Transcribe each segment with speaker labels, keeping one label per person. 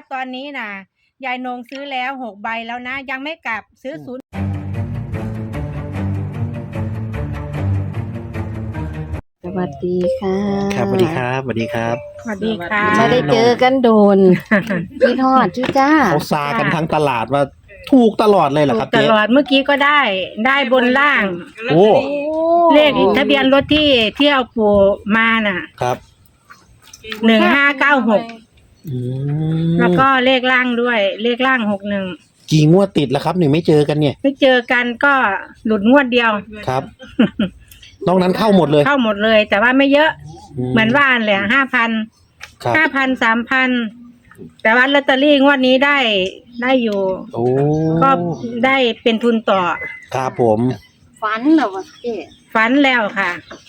Speaker 1: ตอนนี้น่ะยายนงซื้อแล้ว6 ใบแล้วนะยังไม่กลับซื้อ0
Speaker 2: สวัสดีค่ะ
Speaker 3: ครับสวัสดีครับสวัสดีครับ
Speaker 1: สวัสดีค่ะ
Speaker 2: ไม่ได้เจอกันโดนพี่ทอดที่จ้า
Speaker 3: เขาซากันทั้งตลาดว่าถูกตลอดเลยเหรอ
Speaker 1: ถู
Speaker 3: ครั
Speaker 1: ก
Speaker 3: บ
Speaker 1: ต
Speaker 3: เจ๊
Speaker 1: ลอดเมื่อกี้ก็ได้บนล่าง
Speaker 3: โอ้
Speaker 1: เลขทะเบียนรถที่เอาปู่มาน่ะ
Speaker 3: ครับ
Speaker 1: 1596
Speaker 3: อืม
Speaker 1: แล้วก็เลขล่างด้วยเลขล่าง61
Speaker 3: กี่งวดติดแล้วครับหนึ่งไม่เจอกันเนี่ย
Speaker 1: ไม่เจอกันก็หลุดงวดเดียว
Speaker 3: ครับ นอกนั้นเข้าหมดเลย
Speaker 1: เข้าหมดเลย แต่ว่าไม่เยอะเหมือนว่าแหละ5,000
Speaker 3: ครับ
Speaker 1: 5,000 3,000แต่ว่าลอตเตอรี่งวดนี้ได้อยู่
Speaker 3: โอ้
Speaker 1: ก็ได้เป็นทุนต่อ
Speaker 3: ครับผม
Speaker 2: ฝันเหรอวะเจ๊
Speaker 1: ฝันแล้วค่ะ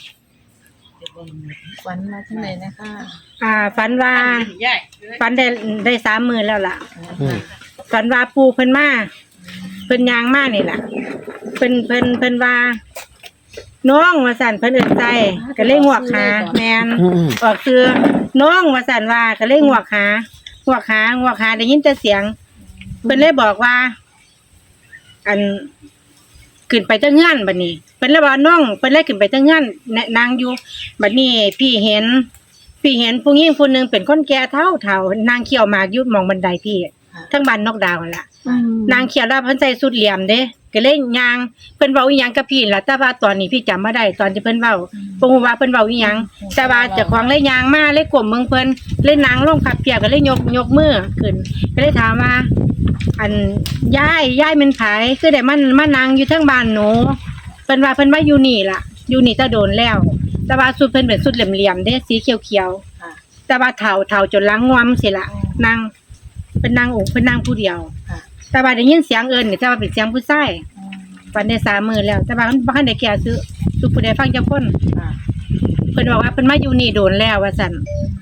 Speaker 4: ฝันมาที่ไหนนะคะ
Speaker 1: ฝันว่าฝันได้30,000แล้วล่ะ
Speaker 3: อืม
Speaker 1: ฝันว่าปูเพิ่นมาเพิ่นยางมานี่ล่ะเพิ่นว่าน้องว่าสั่นเพิ่นเอิ้นใจก็เลยงวกหาแม่น
Speaker 3: อืม
Speaker 1: ออกคือน้องว่าสั่นว่าก็เลยงวกหได้ยินแต่เสียงเพิ่นเลยบอกว่า อันขึ้นไปเจ้าเงื่อนบัดนี้เพิ่นเลยว่าน้องเพิ่นเลยขึ้นไปเจ้าเงื่อนนางอยู่บัดนี้พี่เห็นผู้หญิงผู้หนึงเป็นคนแก่เฒ่านางเขี่ยวหมากอยู่หม่องบันไดพี่ทั้งบ้านนอกดาวนั่นล่ะ นางเขียวแล้วเพิ่นใส่สุดเหลี่ยมเด้ก็เลยย่างเพิ่นเว้าอีหยังกับพี่ล่ะแต่ว่าตอนนี้พี่จำบ่ได้ตอนที่เพิ่นเว้าบ่ฮู้ว่าเพิ่นเว้าอีหยังแต่ว่าเจ้าของเลยย่างมาเลยก้มเบิ่งเพิ่นเลยนั่งลงพับเพียบก็เลยยกมือขึ้นก็เลยถามว่า อันยายเป็นไผคือได้มานั่งอยู่เทิงบ้านหนูเพิ่นว่าเพิ่นมาอยู่นี่ล่ะอยู่นี่จะโดนแล้ว แต่ว่าสุดเพิ่นเป็นสุดเหลี่ยมๆเด้สีเขียวๆแต่ว่าเฒ่าจนหลังงอมสิล่ะนั่งเพิ่นนั่งเพิ่นนั่งผู้เดียว แต่ว่าได้ยินเสียงเอิ้นนี่แต่ว่าเป็นเสียงผู้ชายฝันได้30,000แล้วแต่ว่ามันบ่ทันได้แก่ซื้อทุกผู้ใดฟังจักคนเพิ่นบอกว่าเพิ่นมาอยู่นี่โดนแล้วว่าซั่น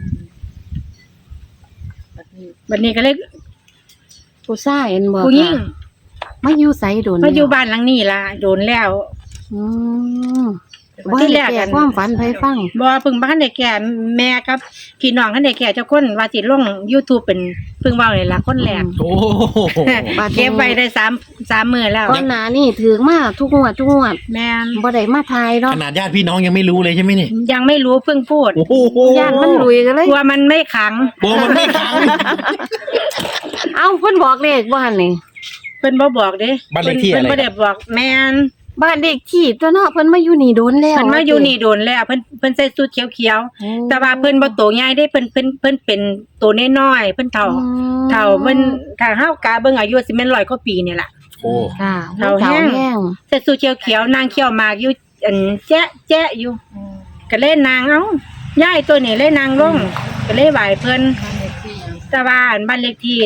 Speaker 1: บัดนี้ก็เลย
Speaker 2: ผู้ชายเห็นบ่
Speaker 1: ผู้หญิง
Speaker 2: มาอยู่ไสโดน
Speaker 1: มาอยู่บ้านหลังนี้ล่ะโดนแล้ว
Speaker 2: อืม
Speaker 1: ที่แรกกัน
Speaker 2: ความฝันไผฟัง
Speaker 1: บ่เพิ่งบ่ทันได้แก่แม่กับพี่น้องทันได้แก่เจ้าคนว่าสิลง YouTube เป็นเพิ่งเว้านี่ล่ะคนแรก
Speaker 3: โอ้
Speaker 1: เก็บไว้ได้3มื้อแล้ว
Speaker 2: ก่อนหน้านี่ถือมาทุกงวด
Speaker 1: แม่น
Speaker 2: บ่ได้มาทายเนาะ
Speaker 3: ขนาดญาติพี่น้องยังไม่รู้เลยใช่ไหมนี่
Speaker 1: ยังไม่รู้เพิ่งพูด
Speaker 3: โอ้โห
Speaker 2: ย่านมันลุยกันเลย
Speaker 1: กลัวมันไม่ขัง
Speaker 3: โอ้มันไม่ขัง
Speaker 2: เอ้าเพิ่นบอกเลขบ่หั่นนี่
Speaker 1: เพิ่นบ่บอกเด้
Speaker 3: บ้านเลขที่อะไร
Speaker 1: เพิ่นบ่ได้บอกแม่น
Speaker 2: บ้านเลขที่ตัวเนาะเพิ่นมาอยู่นี่โดนแล้ว
Speaker 1: เพิ่นมาอยู่นี่โดนแล้วเพิ่นใส่สูทเขียวๆแต่ว่าเพิ่นบ่โตใหญ่เด้เพิ่นเป็นโตน้อยๆเพิ่นเฒ่าเพิ่นถ้าเฮากะเบิ่งอายุสิแม่น100กว่าปีนี่ล่ะ
Speaker 3: โอ้
Speaker 2: ค่ะ
Speaker 1: เฒ่าแห้ง ใส่สูทเขียวๆนางเขียวหมากอยู่อันแจ๊ะอยู่ก็เลยนางเอ้ายายตัวนี้เลยนางลงก็เลยไหว้เพิ่นแต่ว่าอันบ้านเลขที่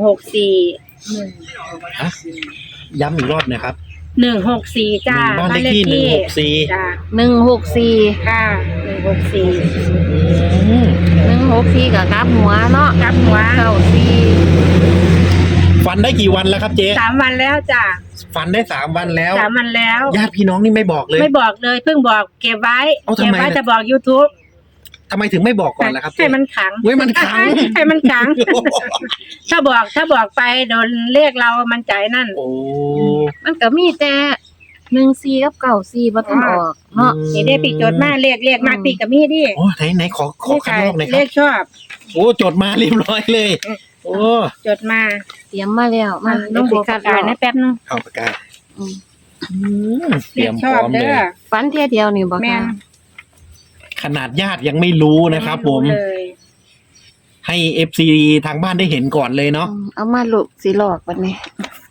Speaker 1: 164
Speaker 3: ฮะย้ำอีกรอบหนะครับ
Speaker 1: 164จ้า
Speaker 3: บ้านเลขที่164
Speaker 1: จ้า
Speaker 2: 164
Speaker 1: ค่ะ164
Speaker 3: อืม
Speaker 2: 164ก็กลับหัวเนาะ
Speaker 1: กลับหัว
Speaker 2: 94
Speaker 3: ฟันได้กี่วันแล้วครับเจ๊
Speaker 1: 3 วันแล้วจ้า
Speaker 3: ฟันได้3 วันแล้ว
Speaker 1: 3 วันแล้ว
Speaker 3: ญาติพี่น้องนี่ไม่บอกเลย
Speaker 1: ไม่บอกเลยเพิ่งบอกเก็บไว้
Speaker 3: เอ้าทำ
Speaker 1: เก็บ
Speaker 3: ไม
Speaker 1: ไว้
Speaker 3: ล่ะ
Speaker 1: จะบอก YouTube
Speaker 3: ทำไมถึงไม่บอกก่อนล่ะครับเจ๊
Speaker 1: ให้มันขัง
Speaker 3: เว้ยมันขัง
Speaker 1: ให้มันขัง ถ้าบอกไปโดนเรียกเรามันใจนั่น
Speaker 3: โอ้
Speaker 2: มันก็มีแต่14กับ94บ่ทันออกเนาะ
Speaker 1: นี่ได้ปีจดมาเรียกมากปีกับมีดิ
Speaker 3: โอ้ไหนขอข้างนอกหน่อยค
Speaker 1: เรี
Speaker 3: รั
Speaker 1: ย
Speaker 3: บ
Speaker 1: กชอบ
Speaker 3: โอ้จดมาเรียบร้อยเลย โอ้
Speaker 1: จดมา
Speaker 2: เตรียมมาแล้วมา
Speaker 1: ลงหัวกระดาษนะแป๊บนึง
Speaker 3: เอาปากกา
Speaker 2: อืม
Speaker 3: เตรียม
Speaker 1: ช
Speaker 3: พ
Speaker 1: อ
Speaker 3: ร้
Speaker 1: บ
Speaker 3: อม
Speaker 1: เด้
Speaker 3: เลย
Speaker 1: อ
Speaker 2: ฝันเที่ยเดียวนี่บ่
Speaker 1: แม่
Speaker 2: ค่ะ
Speaker 1: น
Speaker 3: ขนาดญาติยังไม่รู้นะครับผม
Speaker 1: เลย
Speaker 3: ให้เอฟซีทางบ้านได้เห็นก่อนเลยเนาะ
Speaker 2: เอามาลูกสิหลอกบัดนี้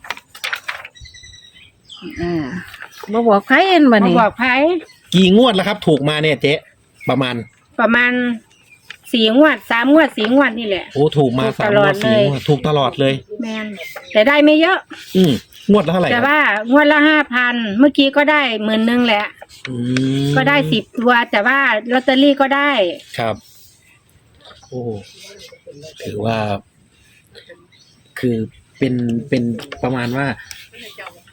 Speaker 2: บ่บอกใครเห็นบัด
Speaker 1: มา
Speaker 2: นี้
Speaker 1: บอกไผ
Speaker 3: กี่งวดแล้วครับ ถูกมาเนี่ยเจ๊ประมาณ
Speaker 1: ประมาณ4 งวด 3 งวด 4 งวดนี่แหละ
Speaker 3: โอ้ถูกมา
Speaker 1: ถูก
Speaker 3: 3
Speaker 1: ต
Speaker 3: ง
Speaker 1: ลอ
Speaker 3: ว
Speaker 1: ด
Speaker 3: ด
Speaker 1: เลย
Speaker 3: 4 งวดถูกตลอดเลย
Speaker 1: แม่นแต่ได้ไม่เยอะ
Speaker 3: งวดละเท่าไหร่
Speaker 1: แต่
Speaker 3: ครับ
Speaker 1: ว่างวดละ5,000เมื่อกี้ก็ได้10,000แหละ
Speaker 3: อืม
Speaker 1: ก็ได้10 ตัว แต่ว่าลอตเตอรี่ก็ได้
Speaker 3: ครับ โอ้ถือว่า คือเป็นประมาณว่า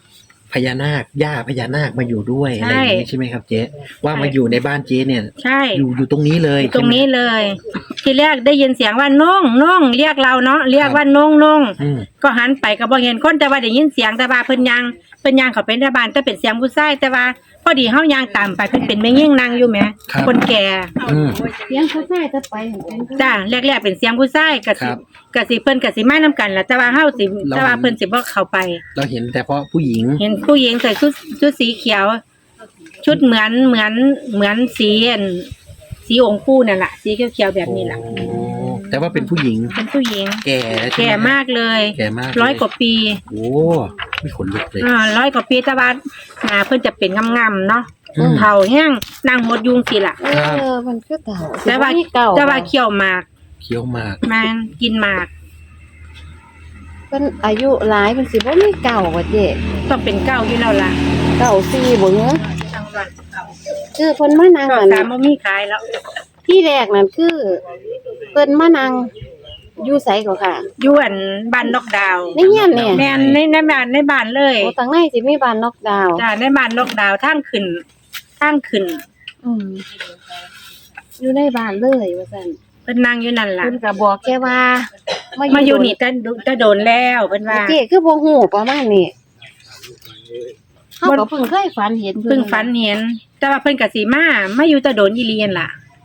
Speaker 3: พญานาคย่าพญานาคมาอยู่ด้วย
Speaker 1: ใช่
Speaker 3: อะไรอย่างนี้ใช่ไหมครับเจ๊ว่ามาอยู่ในบ้านเจ๊เนี่ย
Speaker 1: ใช่
Speaker 3: อยู่ตรงนี้เลย
Speaker 1: ตรงนี้เลย ทีแรกได้ยินเสียงว่าน้องน้องเรียกเราเนาะเรียกว่าน้องน้อง
Speaker 3: อืม
Speaker 1: ก็หันไปก็บ่เห็นคนแต่ว่าได้ยินเสียงแต่ว่าเพิ่นยังเขาเป็นในบ้านแต่เป็นเสียงผู้ชายแต่ว่าพอดีเฮายางตามไปเพิ่นเป็นแม่ยิ่งนางอยู่แหมคนแก่
Speaker 3: อืม
Speaker 2: เสียงเขาใส่จะไปเห็นเป็นผู้
Speaker 1: จ้าแรกๆเป็นเสียงผู้ชายก็
Speaker 3: ค
Speaker 1: สิ
Speaker 3: รับ
Speaker 1: ก็สิเพิ่นก็สิมานํกันแหละแต่ว่าเฮาสิแต่ว่าเพิ่นสิบ่เข้าไป
Speaker 3: เราเห็นแต่เพราะผู้หญิง
Speaker 1: เห็นผู้หญิงใส่ชุดสีเขียว ชุดเหมือนสีองค์ปู่นั่นแหละสีเขียวๆแบบนี้แหละ
Speaker 3: โอ้แต่ว่าเป็นผู้หญิง
Speaker 1: เป็นผู้หญิง
Speaker 3: แก่ใช่ไห
Speaker 1: แก่มากเลย
Speaker 3: แก่มาก
Speaker 1: ร้อยกว่าปี
Speaker 3: โอ้ไม่ขนลุกเลย
Speaker 1: ร้อยกว่าปีแต่ว่าหน้าเพิ่นจะเป็นงามๆเนาะ
Speaker 3: อืม
Speaker 1: เฒ่าแห้งนางหมดยุงสิล่ะ
Speaker 2: มันคือเก่า
Speaker 1: แต่ว่า
Speaker 2: เก่า
Speaker 1: แต่ว่าเคี่ยวหมาก
Speaker 3: เคี้ยวหมาก
Speaker 1: มันกินหมาก
Speaker 2: เพิ่นอายุหลายเพิ่นสิบ่มีเก่าว่าเจ๊
Speaker 1: ต้องเป็นเก้าอยู่แล้วล่ะ
Speaker 2: เก่า4บ่เหรอ
Speaker 1: ทั้งวัน
Speaker 2: คือเพิ่นมานั่ง
Speaker 1: ก็
Speaker 2: อัน
Speaker 1: สามบ่มีขายแล้ว
Speaker 2: ที่แรกนั่นคือเพิ่นมานั่งอยู่ไสก็ค่ะ
Speaker 1: อยู่อันบ้านนอกดาวน์
Speaker 2: ในเฮียนเนี่ย
Speaker 1: แม่นในบ้านเลย
Speaker 2: โอ้ทางในสิมีบ้านนอกดาวน์
Speaker 1: จ้าในบ้านนอกดาวน์ทางขึ้น
Speaker 2: อืมอยู่ในบ้านเลยว่าซั่น
Speaker 1: เพิ่นนั่งอยู่นั่นล่ะ
Speaker 2: เพิ่นก็บอกแค่ว่า
Speaker 1: มา
Speaker 2: มา
Speaker 1: อยู่นี่แต่โดนแล้วเพิ่นว่า
Speaker 2: เจ๊คือบ่ฮู้ประมาณนี้เฮาก็เพิ่งเคยฝันเห็น
Speaker 1: เพิ่งฝันเห็น แต่ว่าเพิ่นก็สิมาอยู่แต่โดนอีเลียนล่ะ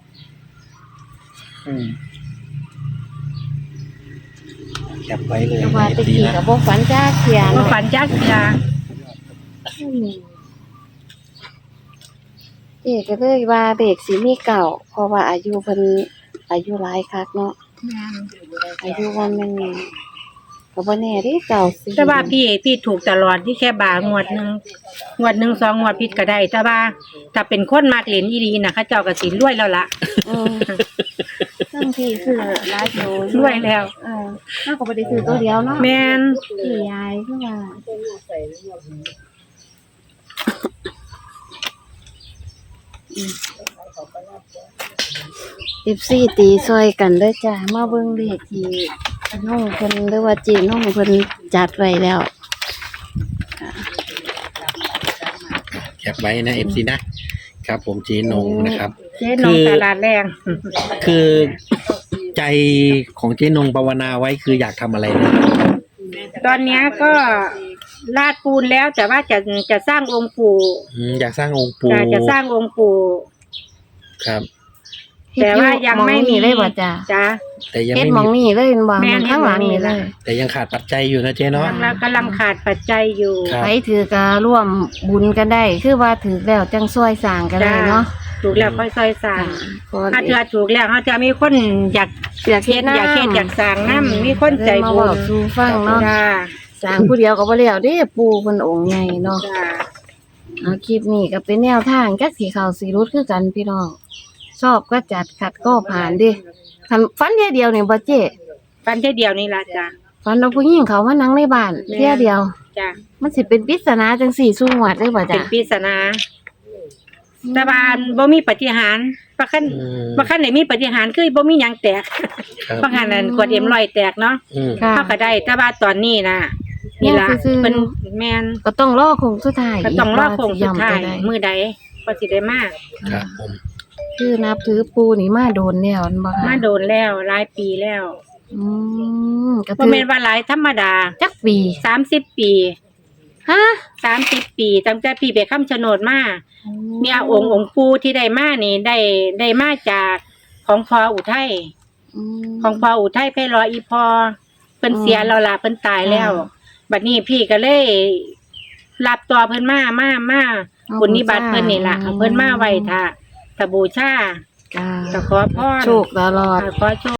Speaker 3: อืมแคปไว้เลย
Speaker 2: แต่ว่าแตะ
Speaker 3: ดี
Speaker 2: กี้
Speaker 3: นะ
Speaker 2: ก็บ่ฝันจ้าเขียน
Speaker 1: ว่าฝันจักเทื่อ
Speaker 2: เจ๊ก็เลยว่าเด็กสิมีเก่าเพราะว่าอายุเพิ่นอายุหลายคักเนาะอายุวันนึงก็บ่แน่เด้เก่าสิ
Speaker 1: แต่ว่าพี่ถูกตลอดที่แค่บางวดหนึงสองงวดผิดก็ได้ แต่ว่าถ้าเป็นคนมากเหรียญอีหลีน่ะเขาเจ้าก็สิรวยแล้วล่ะ
Speaker 2: อืมทั้งที่คือหลายโต
Speaker 1: รวยแล้ว
Speaker 2: เฮาก็บ่ได้ซื้อตัวเดียวเนาะ
Speaker 1: แม่น
Speaker 2: พี่ยายคือว่า14ตีซอยกันเด้อจ้ามาเบิ่งเลขที่น้องเพิ่นหรือว่าเจน้องเพิ่นจัดไว้แล้ว
Speaker 3: แคปไว้นะ FC นะครับผมเจ๊นงนะครับ
Speaker 1: เจ๊น้องตลาดแรง
Speaker 3: คือใจของเจ๊นงภาวนาไว้คืออยากทำอะไรนะ
Speaker 1: ตอนเนี้ยก็ลาดปูนแล้วแต่ว่าจะสร้างองค์ปู่
Speaker 3: อยากสร้างองค์ปู่
Speaker 1: จะสร้างองค์ปู่
Speaker 3: ครับ
Speaker 1: แต่ว่ายังไม่มี
Speaker 2: เลยบ่จ้า
Speaker 1: จ้า
Speaker 3: แต่ยัง
Speaker 2: เฮ็ด
Speaker 3: ไม่
Speaker 2: หม
Speaker 3: มี
Speaker 2: องนี่เลยบ่
Speaker 1: แม่น
Speaker 2: ข้างหลังนี่เลย
Speaker 3: แต่ยังขาดปัจจัยอยู่นะเจ๊เนาะ
Speaker 1: กำลังขาดปัจจัยอยู่
Speaker 3: ครับ
Speaker 2: ใครถือก็ร่วมบุญกันได้ คือว่าถือแล้วจังช่วยสร้างกันได้เนาะ
Speaker 1: ถูกแล้วค่อยๆสร้าง
Speaker 2: ก็
Speaker 1: ถ้าเธอถูกแล้วเขาจะมีคนอยาก
Speaker 2: อยาก
Speaker 1: เฮ็ดอยากเฮ็ดอยากสร้างน้ำมีคนใจ
Speaker 2: มา
Speaker 1: บุ
Speaker 2: เว้า
Speaker 1: ญ
Speaker 2: สู่ฟังเนาะ
Speaker 1: จ้า
Speaker 2: สร้างผู้เดียวก็บ่แล้วเด้ปู่เพิ่นองค์ใหญ่เนาะ
Speaker 1: จ้า
Speaker 2: เอาคลิปนี้ก็เป็นแนวทางจักสิเข้าสิรุดคือกันพี่น้องชอบก็จัดขัดก็ผ่านเดิคันฝันเที่ยเดียวนี่บ่เจ๊
Speaker 1: ฟันแค่เดียวนี่ล่ะจ้า
Speaker 2: ฝันว่าผู้หญิงเขามานั่งในบ้าน
Speaker 1: แม่
Speaker 2: เที่ยเดียว
Speaker 1: จ้า
Speaker 2: มันสิเป็นปริศนาจังสี่สู้หวดได้บ่
Speaker 1: เป็
Speaker 2: จ้ะ
Speaker 1: นปริศนาแต่ว่าบ่มีปาฏิหาริย์บ่คัน
Speaker 3: อืม
Speaker 1: บ่คันไหนมีปาฏิหาริย์คือบ่มีหยังแตก
Speaker 3: ครับ
Speaker 1: บางหันนั่นขวดM100แตกเนาะ
Speaker 3: อืม
Speaker 2: ค่ะ
Speaker 1: เฮาก็ได้แต่ว่าตอนนี้น่ะนี่ล่ะ
Speaker 2: ซื่อๆ
Speaker 1: เพิ่นแม่น
Speaker 2: ก็ต้องรอคงสุดท้าย
Speaker 1: ก็ต้องรอโค้งสุดท้าย
Speaker 2: ว่สิ
Speaker 1: มื้อใดก็สิได้มา
Speaker 3: ครับผม
Speaker 2: คือนับถือปูนี่มาโดนแล้วอันบ่
Speaker 1: มา
Speaker 2: ค่ะ
Speaker 1: โดนแล้วหลายปีแล้ว
Speaker 2: อืมก็
Speaker 1: บ่
Speaker 2: ถือ
Speaker 1: แม่นว่าหลายธรรมดา
Speaker 2: จักปี
Speaker 1: 30 ปี
Speaker 2: ฮะ
Speaker 1: 30 ปีตั้งแต่พี่ไปคำชะโนดมาเนี่ยองค์ปู่ที่ได้มานี่ได้มาจากของพ่ออุทัย
Speaker 2: ม
Speaker 1: ของพ่ออุทัยไพเราะอีพอเพิ่นเสียแล้วล่ะเพิ่นตายแล้ว บัดนี้พี่ก็เลยรับตัวเพิ่นมาบุญนิบัติเพิ่นนี่ล่ะเอาเพิ่นมาไว้ถ้าบูชา
Speaker 2: จ้า
Speaker 1: ก็ขอพร
Speaker 2: โชคตลอด
Speaker 1: ขอโชค